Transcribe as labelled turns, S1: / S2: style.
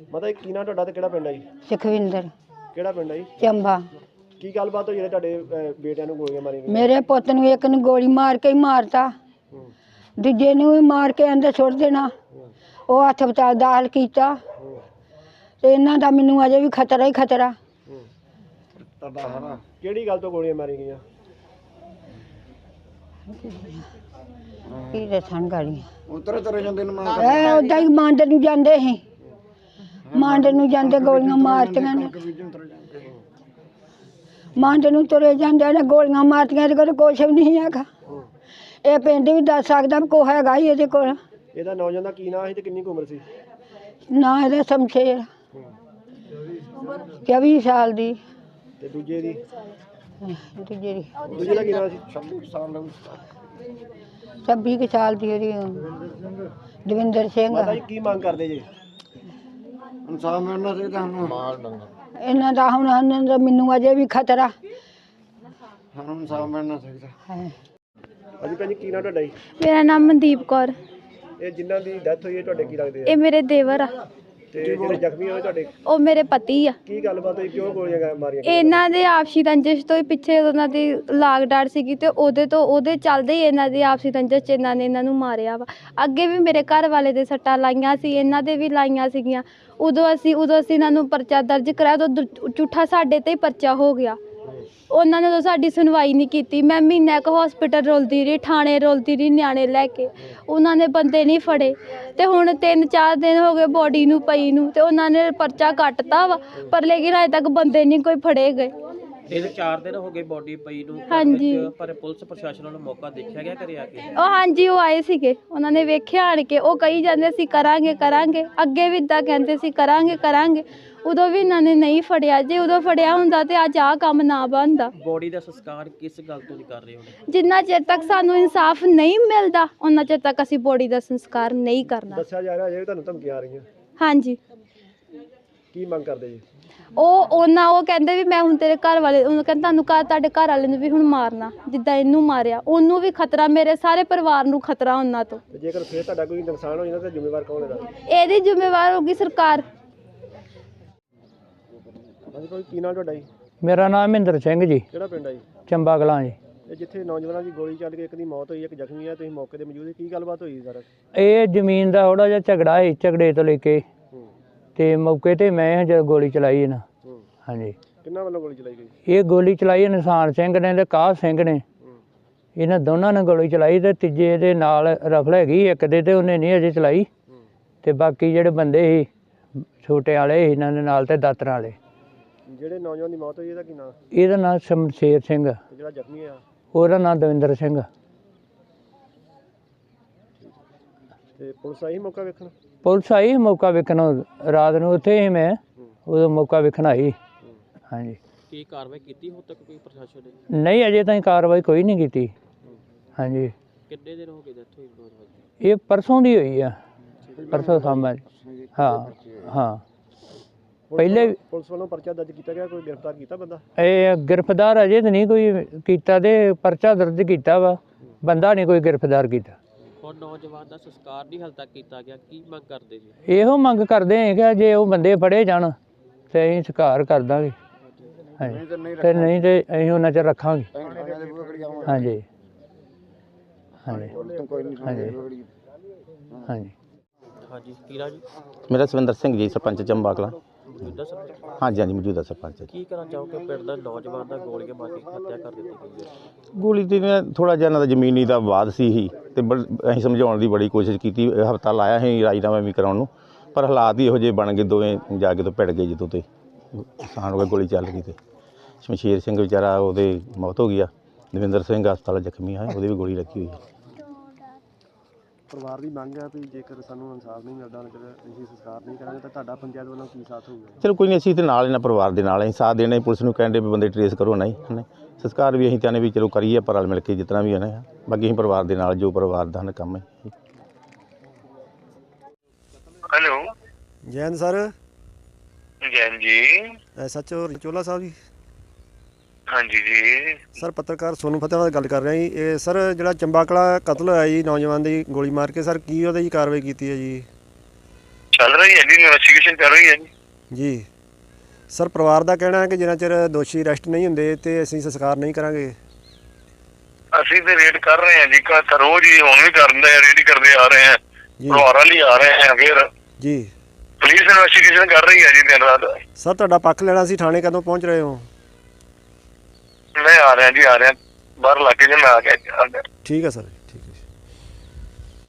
S1: ਮਤਲਬ ਕੀ ਨਾਂ ਤੁਹਾਡਾ ਤੇ ਕਿਹੜਾ ਪਿੰਡ ਹੈ ਜੀ?
S2: ਸੁਖਵਿੰਦਰ।
S1: ਕਿਹੜਾ ਪਿੰਡ ਹੈ ਜੀ?
S2: ਚੰਬਾ।
S1: ਕੀ ਗੱਲਬਾਤ ਹੋਈ ਜਿਹੜੇ ਤੁਹਾਡੇ ਬੇਟਿਆਂ ਨੂੰ ਗੋਲੀਆਂ ਮਾਰੀਆਂ ਗਈਆਂ?
S2: ਮੇਰੇ ਪੁੱਤ ਨੂੰ ਇੱਕ ਨੂੰ ਗੋਲੀ ਮਾਰ ਕੇ ਹੀ ਮਾਰਤਾ, ਦੂਜੇ ਨੂੰ ਵੀ ਮਾਰ ਕੇ ਅੰਦਰ ਸੁੱਟ ਦੇਣਾ। ਉਹ ਹਸਪਤਾਲ ਦਾਖਲ ਕੀਤਾ ਤੇ ਇਹਨਾਂ ਦਾ ਮੈਨੂੰ ਅਜੇ ਵੀ ਖਤਰਾ ਹੀ ਖਤਰਾ।
S1: ਕਿਹੜੀ ਗੱਲ ਤੋਂ ਗੋਲੀਆਂ ਮਾਰੀਆਂ ਗਈਆਂ?
S2: ਕੀ ਦੱਸਣ ਗਾੜੀਆਂ
S3: ਉਤਰੇ ਜਾਂਦੇ ਨੇ
S2: ਇਹ ਉਦਾਂ ਹੀ ਮੰਡ ਨੂੰ ਜਾਂਦੇ ਸੀ, ਮੰਡ ਨੂੰ ਜਾਂਦੇ ਗੋਲੀਆਂ ਮਾਰਤੀਆਂ ਨੇ, ਮੰਡ ਨੂੰ ਤੁਰੇ ਜਾਂਦੇ ਨੇ ਗੋਲੀਆਂ ਮਾਰਤੀਆਂ। ਇਹਦੇ ਕੋਲ ਕੁਛ ਵੀ ਨਹੀਂ ਹੈਗਾ। ਇਹ ਪਿੰਡ ਵੀ ਦੱਸ ਸਕਦਾ ਵੀ ਕੁਛ ਹੈਗਾ ਹੀ ਇਹਦੇ ਕੋਲ।
S1: ਇਹਦਾ ਨੌਜਵਾਨ ਦਾ ਕੀ ਨਾਂ ਸੀ ਤੇ ਕਿੰਨੀ ਕੁ ਉਮਰ ਸੀ?
S2: ਨਾ ਇਹਦਾ ਸ਼ਮਸ਼ੇਰ 24 ਸਾਲ ਦੀ।
S1: ਤੇ ਦੂਜੇ ਦੀ?
S2: ਦੂਜੇ ਦੀ
S1: ਦੂਜੇ ਦਾ ਕੀ ਨਾਂ ਸੀ?
S2: 26 ਸਾਲ ਦੀ ਉਹਦੀ ਦਵਿੰਦਰ ਸਿੰਘ।
S1: ਮਾਤਾ ਜੀ ਕੀ ਮੰਗ ਕਰਦੇ ਜੀ?
S3: ਇਨਸਾਫ ਮਿਲਣਾ ਚਾਹੀਦਾ ਸਾਨੂੰ।
S2: ਇਹਨਾਂ ਦਾ ਹੁਣ ਇਹਨਾਂ ਦਾ ਮੈਨੂੰ ਅਜੇ ਵੀ ਖਤਰਾ
S3: ਸਾਨੂੰ ਇਨਸਾਫ ਮਿਲਣਾ ਚਾਹੀਦਾ
S2: ਹੈ।
S1: ਹਾਂਜੀ ਭੈਣ ਜੀ ਕੀ ਨਾਂ ਤੁਹਾਡਾ ਜੀ?
S4: ਮੇਰਾ ਨਾਮ ਮਨਦੀਪ ਕੌਰ।
S1: ਇਹ ਜਿਨ੍ਹਾਂ ਦੀ ਡੈਥ ਹੋਈ ਹੈ ਤੁਹਾਡੇ ਕੀ ਲੱਗਦੇ ਆ?
S4: ਇਹ ਮੇਰੇ ਦੇਵਰ ਆ।
S1: ਤੇ ਜਿਹੜੇ ਜ਼ਖਮੀ ਹੋਏ ਤੁਹਾਡੇ
S4: ਉਹ ਮੇਰੇ ਪਤੀ ਆ।
S1: ਕੀ ਗੱਲਬਾਤ ਹੋਈ? ਕਿਉਂ ਗੋਲੀਆਂ ਮਾਰੀਆਂ ਗਈਆਂ?
S4: ਇਹਨਾਂ ਦੇ ਆਪਸੀ ਰੰਜਿਸ਼ ਤੋਂ ਹੀ ਪਿੱਛੇ ਉਹਨਾਂ ਦੀ ਲਾਗ ਡਾਟ ਸੀਗੀ ਤੇ ਉਹਦੇ ਚੱਲਦੇ ਹੀ ਇਹਨਾਂ ਦੀ ਆਪਸੀ ਰੰਜਿਸ਼ 'ਚ ਇਹਨਾਂ ਨੇ ਇਹਨਾਂ ਨੂੰ ਮਾਰਿਆ ਵਾ। ਅੱਗੇ ਵੀ ਮੇਰੇ ਘਰ ਵਾਲੇ ਦੇ ਸੱਟਾਂ ਲਾਈਆਂ ਸੀ, ਇਹਨਾਂ ਦੇ ਵੀ ਲਾਈਆਂ ਸੀਗੀਆਂ। ਉਦੋਂ ਅਸੀਂ ਇਹਨਾਂ ਨੂੰ ਪਰਚਾ ਦਰਜ ਕਰਾਇਆ ਤਾਂ ਝੂਠਾ ਸਾਡੇ ਤੇ ਹੀ ਪਰਚਾ ਹੋ ਗਿਆ। ਉਹਨਾਂ ਨੇ ਤਾਂ ਸਾਡੀ ਸੁਣਵਾਈ ਨਹੀਂ ਕੀਤੀ। ਮੈਂ ਮਹੀਨਾ ਕੁ ਹੌਸਪੀਟਲ ਰੁਲਦੀ ਰਹੀ, ਥਾਣੇ ਰੁਲਦੀ ਰਹੀ ਨਿਆਣੇ ਲੈ ਕੇ। ਉਹਨਾਂ ਨੇ ਬੰਦੇ ਨਹੀਂ ਫੜੇ ਤੇ ਹੁਣ 3-4 ਦਿਨ ਹੋ ਗਏ ਬੋਡੀ ਨੂੰ ਪਈ ਨੂੰ ਤੇ ਉਹਨਾਂ ਨੇ ਪਰਚਾ ਕੱਟਤਾ ਵਾ, ਪਰ ਲੇਕਿਨ ਅਜੇ ਤੱਕ ਬੰਦੇ ਨਹੀਂ ਕੋਈ ਫੜੇ ਗਏ।
S5: ਇਹ 4 ਦਿਨ ਹੋ ਗਏ ਬੋਡੀ ਪਈ ਨੂੰ।
S4: ਹਾਂਜੀ।
S5: ਪਰ ਪੁਲਿਸ ਪ੍ਰਸ਼ਾਸਨ ਵੱਲੋਂ ਮੌਕਾ ਦੇਖਿਆ ਗਿਆ ਘਰੇ ਆ ਕੇ?
S4: ਹਾਂਜੀ ਉਹ ਆਏ ਸੀਗੇ, ਉਹਨਾਂ ਨੇ ਵੇਖਿਆ ਆਣ ਕੇ। ਉਹ ਕਹੀ ਜਾਂਦੇ ਸੀ ਕਰਾਂਗੇ ਕਰਾਂਗੇ, ਅੱਗੇ ਵੀ ਇੱਦਾਂ ਕਹਿੰਦੇ ਸੀ ਕਰਾਂਗੇ ਕਰਾਂਗੇ। ਉਦੋਂ ਵੀ ਇਹਨਾਂ ਨੇ ਨਹੀਂ ਫੜਿਆ। ਜੇ ਉਦੋਂ ਫੜਿਆ ਹੁੰਦਾ ਤੇ ਅੱਜ ਆਹ ਕੰਮ ਨਾ ਬਣਦਾ।
S5: ਬੋਡੀ ਦਾ ਸੰਸਕਾਰ ਕਿਸ ਗੱਲ ਤੋਂ ਨਹੀਂ ਕਰ ਰਹੇ ਹੋ?
S4: ਜਿੰਨਾ ਚਿਰ ਤੱਕ ਸਾਨੂੰ ਇਨਸਾਫ ਨਹੀਂ ਮਿਲਦਾ ਉਹਨਾਂ ਚਿਰ ਤੱਕ ਅਸੀਂ ਬੋਡੀ ਦਾ ਸੰਸਕਾਰ ਨਹੀਂ ਕਰਨਾ।
S1: ਦੱਸਿਆ ਜਾ ਰਿਹਾ ਅਜੇ ਵੀ ਤੁਹਾਨੂੰ ਧਮਕੀਆਂ ਆ ਰਹੀਆਂ।
S4: ਹਾਂਜੀ।
S1: ਕੀ ਮੰਗ ਕਰਦੇ ਜੀ?
S4: ਉਹ ਕਹਿੰਦੇ ਵੀ ਮੈਂ ਹੁਣ ਤੇਰੇ ਘਰ ਵਾਲੇ, ਉਹਨੂੰ ਕਹਿੰਦਾ ਤੁਹਾਨੂੰ ਤੁਹਾਡੇ ਘਰ ਵਾਲੇ ਨੂੰ ਵੀ ਹੁਣ ਮਾਰਨਾ ਜਿੱਦਾਂ ਇਹਨੂੰ ਮਾਰਿਆ। ਉਹਨੂੰ ਵੀ ਖਤਰਾ, ਮੇਰੇ ਸਾਰੇ ਪਰਿਵਾਰ ਨੂੰ ਖਤਰਾ ਉਹਨਾਂ ਤੋਂ।
S1: ਤੇ ਜੇਕਰ ਫਿਰ ਤੁਹਾਡਾ ਕੋਈ ਨੁਕਸਾਨ ਹੋ ਜਾਂਦਾ ਤਾਂ ਜ਼ਿੰਮੇਵਾਰ ਕੌਣ ਇਹਦਾ?
S4: ਇਹਦੀ ਜ਼ਿੰਮੇਵਾਰ ਹੋਗੀ ਸਰਕਾਰ।
S1: ਹਾਂਜੀ ਕੋਈ ਕੀ ਨਾਂ ਤੁਹਾਡਾ ਜੀ?
S6: ਮੇਰਾ ਨਾਮ ਮਹਿੰਦਰ ਸਿੰਘ ਜੀ।
S1: ਕਿਹੜਾ ਪਿੰਡ ਹੈ ਜੀ?
S6: ਚੰਬਾ ਕਲਾਂ ਜੀ।
S1: ਇਹ ਜਿੱਥੇ ਨੌਜਵਾਨਾਂ ਦੀ ਗੋਲੀ ਚੱਲ ਕੇ ਇੱਕ ਦੀ ਮੌਤ ਹੋਈ, ਇੱਕ ਜ਼ਖਮੀ ਹੈ, ਤੁਸੀਂ ਮੌਕੇ ਤੇ ਮੌਜੂਦ ਸੀ, ਕੀ ਗੱਲਬਾਤ ਹੋਈ ਸਰ?
S6: ਇਹ ਜ਼ਮੀਨ ਦਾ ਥੋੜਾ ਜਿਹਾ ਝਗੜਾ ਹੈ, ਝਗੜੇ ਤੋਂ ਲੈ ਕੇ ਤੇ ਮੌਕੇ ਤੇ ਮੈਂ ਜਦ ਗੋਲੀ ਚਲਾਈ ਨਾ। ਹਾਂਜੀ।
S1: ਕਿੰਨਾਂ ਵੱਲੋਂ ਗੋਲੀ ਚਲਾਈ ਗਈ?
S6: ਇਹ ਗੋਲੀ ਚਲਾਈ ਨਿਸ਼ਾਨ ਸਿੰਘ ਨੇ ਤੇ ਕਾਹ ਸਿੰਘ ਨੇ। ਇਹਨਾਂ ਦੋਨਾਂ ਨੇ ਗੋਲੀ ਚਲਾਈ ਤੇ ਤੀਜੇ ਦੇ ਨਾਲ ਰਫਲ ਹੈਗੀ ਇੱਕ ਦੇ, ਤੇ ਉਹਨੇ ਨਹੀਂ ਅਜੇ ਚਲਾਈ। ਤੇ ਬਾਕੀ ਜਿਹੜੇ ਬੰਦੇ ਸੀ ਛੋਟੇ ਵਾਲੇ ਇਹਨਾਂ ਦੇ ਨਾਲ ਤੇ ਦਾਤਰਾਂ ਵਾਲੇ।
S1: ਜਿਹੜੇ ਨੌਜਵਾਨ ਦੀ ਮੌਤ ਹੋਈ ਇਹਦਾ ਕੀ ਨਾਂ?
S6: ਇਹਦਾ ਨਾਂ ਸ਼ਮਸ਼ੇਰ ਸਿੰਘ।
S1: ਤੇ ਜਿਹੜਾ ਜ਼ਖਮੀ ਆ
S6: ਉਹਦਾ ਨਾਂ ਦਵਿੰਦਰ ਸਿੰਘ।
S1: ਤੇ ਪੁਲਿਸ ਆਈ ਮੌਕਾ ਵੇਖਣ?
S6: ਪੁਲਿਸ ਆਈ ਮੌਕਾ ਵੇਖਣ, ਰਾਤ ਨੂੰ ਉੱਥੇ ਸੀ ਮੈਂ, ਉਦੋਂ ਮੌਕਾ ਵੇਖਣ ਆਈ। ਹਾਂਜੀ।
S5: ਕੀ ਕਾਰਵਾਈ ਕੀਤੀ ਹੁਣ ਤੱਕ ਕੋਈ ਪ੍ਰਸ਼ਾਸਨ ਨੇ?
S6: ਨਹੀਂ ਅਜੇ ਤਾਈਂ ਕਾਰਵਾਈ ਕੋਈ ਨਹੀਂ ਕੀਤੀ। ਹਾਂਜੀ।
S5: ਕਿੰਨੇ ਦਿਨ ਹੋ ਗਏ ਡੈਥ ਹੋਈ ਨੌਜਵਾਨ
S6: ਇਹ ਪਰਸੋਂ ਦੀ ਹੋਈ ਆ, ਪਰਸੋਂ ਸਾਹਮਣੇ। ਹਾਂ ਹਾਂ। ਪਹਿਲੇ
S1: ਪੁਲਿਸ ਵੱਲੋਂ ਪਰਚਾ ਦਰਜ ਕੀਤਾ ਗਿਆ, ਕੋਈ ਗ੍ਰਿਫਤਾਰ ਕੀਤਾ ਬੰਦਾ?
S6: ਇਹ ਗ੍ਰਿਫਤਾਰ ਅਜੇ ਤਾਂ ਨਹੀਂ ਕੋਈ ਕੀਤਾ, ਤੇ ਪਰਚਾ ਦਰਜ ਕੀਤਾ ਵਾ, ਬੰਦਾ ਨਹੀਂ ਕੋਈ ਗ੍ਰਿਫਤਾਰ ਕੀਤਾ।
S5: ਹੁਣ ਨੌਜਵਾਨ ਦਾ ਸੰਸਕਾਰ ਨਹੀਂ ਹਾਲੇ ਤੱਕ ਕੀਤਾ ਗਿਆ, ਕੀ ਮੰਗ ਕਰਦੇ ਜੀ?
S6: ਇਹੋ ਮੰਗ ਕਰਦੇ ਹਾਂ ਕਿ ਜੇ ਉਹ ਬੰਦੇ ਫੜੇ ਜਾਣ ਤੇ ਅਸੀਂ ਸੰਸਕਾਰ ਕਰ ਦਾਂਗੇ। ਹਾਂਜੀ। ਤੇ ਨਹੀਂ ਤੇ ਅਸੀਂ ਉਹਨਾਂ 'ਚ ਰੱਖਾਂਗੇ। ਹਾਂਜੀ ਹਾਂਜੀ ਹਾਂਜੀ ਹਾਂਜੀ।
S5: ਹਾਂਜੀ ਕੀਰਾ ਜੀ?
S7: ਮੇਰਾ ਸਵਿੰਦਰ ਸਿੰਘ ਜੀ, ਸਰਪੰਚ ਚੰਬਾ ਕਲਾਂ।
S5: ਮੌਜੂਦਾ ਸਰਪੰਚ?
S7: ਹਾਂਜੀ ਹਾਂਜੀ ਮੌਜੂਦਾ ਸਰਪੰਚ।
S5: ਕੀ ਕਹਿਣਾ ਚਾਹੋਗੇ ਪਿੰਡ ਦਾ ਨੌਜਵਾਨ ਦਾ ਗੋਲੀਆਂ ਮਾਰ ਕੇ ਹੱਤਿਆ ਕਰ ਦਿੱਤੀ ਗਈ ਹੈ?
S7: ਗੋਲੀ ਤੇ ਥੋੜ੍ਹਾ ਜਿਹਾ ਇਹਨਾਂ ਦਾ ਜ਼ਮੀਨੀ ਦਾ ਵਿਵਾਦ ਸੀ ਹੀ, ਤੇ ਅਸੀਂ ਸਮਝਾਉਣ ਦੀ ਬੜੀ ਕੋਸ਼ਿਸ਼ ਕੀਤੀ। ਹਫ਼ਤਾ ਲਾਇਆ ਸੀ ਰਾਜੀਨਾਮਾ ਵੀ ਕਰਾਉਣ ਨੂੰ, ਪਰ ਹਾਲਾਤ ਹੀ ਇਹੋ ਜਿਹੇ ਬਣ ਗਏ, ਦੋਵੇਂ ਜਾ ਕੇ ਤੋਂ ਭਿੜ ਗਏ ਜਦੋਂ ਤੇ ਨੁਕਸਾਨ ਹੋ ਗਿਆ, ਗੋਲੀ ਚੱਲ ਗਈ। ਤੇ ਸ਼ਮਸ਼ੇਰ ਸਿੰਘ ਵਿਚਾਰਾ ਉਹਦੇ ਮੌਤ ਹੋ ਗਈ ਆ, ਦਵਿੰਦਰ ਸਿੰਘ ਹਸਪਤਾਲ ਜ਼ਖਮੀ ਹੈ, ਉਹਦੇ ਵੀ ਗੋਲੀ ਲੱਗੀ ਹੋਈ ਹੈ।
S1: ਪਰਿਵਾਰ ਦੀ ਮੰਗ ਹੈ ਵੀ ਜੇਕਰ ਸਾਨੂੰ ਇਨਸਾਫ ਨਹੀਂ ਮਿਲਦਾ, ਅਸੀਂ ਸੰਸਕਾਰ ਨਹੀਂ ਕਰਾਂਗੇ ਤਾਂ ਤੁਹਾਡਾ ਪੰਚਾਇਤ ਵੱਲੋਂ ਕੀ ਸਾਥ ਹੋਊਗਾ?
S7: ਚਲੋ ਕੋਈ ਨਹੀਂ, ਅਸੀਂ ਤੇ ਨਾਲ ਇਹਨਾਂ ਪਰਿਵਾਰ ਦੇ ਨਾਲ ਅਸੀਂ ਸਾਥ ਦੇਣਾ। ਪੁਲਿਸ ਨੂੰ ਕਹਿੰਦੇ ਵੀ ਬੰਦੇ ਟਰੇਸ ਕਰੋ, ਨਹੀਂ ਸੰਸਕਾਰ ਵੀ ਅਸੀਂ ਚਾਹੁੰਦੇ ਵੀ ਚਲੋ ਕਰੀਏ ਪਰ ਰਲ ਮਿਲ ਕੇ ਜਿਤਨਾ ਵੀ ਹੈ ਨਾ। ਬਾਕੀ ਅਸੀਂ ਪਰਿਵਾਰ ਦੇ ਨਾਲ ਜੋ ਪਰਿਵਾਰ ਦਾ ਕੰਮ ਹੈ।
S8: Hello
S1: Jain sir.
S8: ਜੈਨ ਜੀ।
S1: ਸੱਚੋ ਚੋਲਾ ਸਾਹਿਬ ਜੀ?
S8: ਹਾਂਜੀ ਜੀ
S1: ਸਰ ਪੱਤਰਕਾਰ ਸੋਨੂ ਫਤਿਹ ਨਾਲ ਗੱਲ ਕਰ ਰਿਹਾ ਜੀ। ਇਹ ਸਰ ਜਿਹੜਾ ਚੰਬਾ ਕਲਾਂ ਕਤਲ ਹੋਇਆ ਜੀ ਨੌਜਵਾਨ ਦੀ ਗੋਲੀ ਮਾਰ ਕੇ, ਸਰ ਕੀ ਉਹਦੇ ਜੀ ਕਾਰਵਾਈ ਕੀਤੀ ਹੈ ਜੀ?
S8: ਚੱਲ ਰਹੀ ਹੈ ਜੀ, ਇਨਵੈਸਟੀਗੇਸ਼ਨ ਚੱਲ ਰਹੀ ਹੈ ਜੀ।
S1: ਜੀ ਸਰ, ਪਰਿਵਾਰ ਦਾ ਕਹਿਣਾ ਹੈ ਕਿ ਜਿੰਨਾ ਚਿਰ ਦੋਸ਼ੀ ਅਰੈਸਟ ਨਹੀਂ ਹੁੰਦੇ ਤੇ ਅਸੀਂ ਸੰਸਕਾਰ ਨਹੀਂ ਕਰਾਂਗੇ।
S8: ਅਸੀਂ ਤੇ ਰੇਡ ਕਰ ਰਹੇ ਹਾਂ ਜੀ, ਰੋਜ਼ ਹੀ ਹੁਣ ਵੀ ਕਰਦੇ ਆ, ਰੇਡ ਕਰਦੇ ਆ ਰਹੇ ਹਾਂ,
S1: ਜੀ
S8: ਪਰਿਵਾਰਾਂ ਲਈ ਆ ਰਹੇ ਹਾਂ। ਫਿਰ
S1: ਜੀ
S8: ਪੁਲਿਸ ਇਨਵੈਸਟੀਗੇਸ਼ਨ ਕਰ ਰਹੀ ਹੈ ਜੀ ਦਿਨ ਰਾਤ।
S1: ਸਰ, ਤੁਹਾਡਾ ਪੱਖ ਲੈਣਾ ਸੀ, ਥਾਣੇ ਕਦੋਂ ਪਹੁੰਚ ਰਹੇ ਹੋ?
S8: ਮੈਂ ਆ ਰਿਹਾ ਜੀ, ਆ ਰਿਹਾ, ਬਾਹਰ ਇਲਾਕੇ 'ਚ ਮੈਂ ਆ ਗਿਆ।
S1: ਠੀਕ ਹੈ ਸਰ।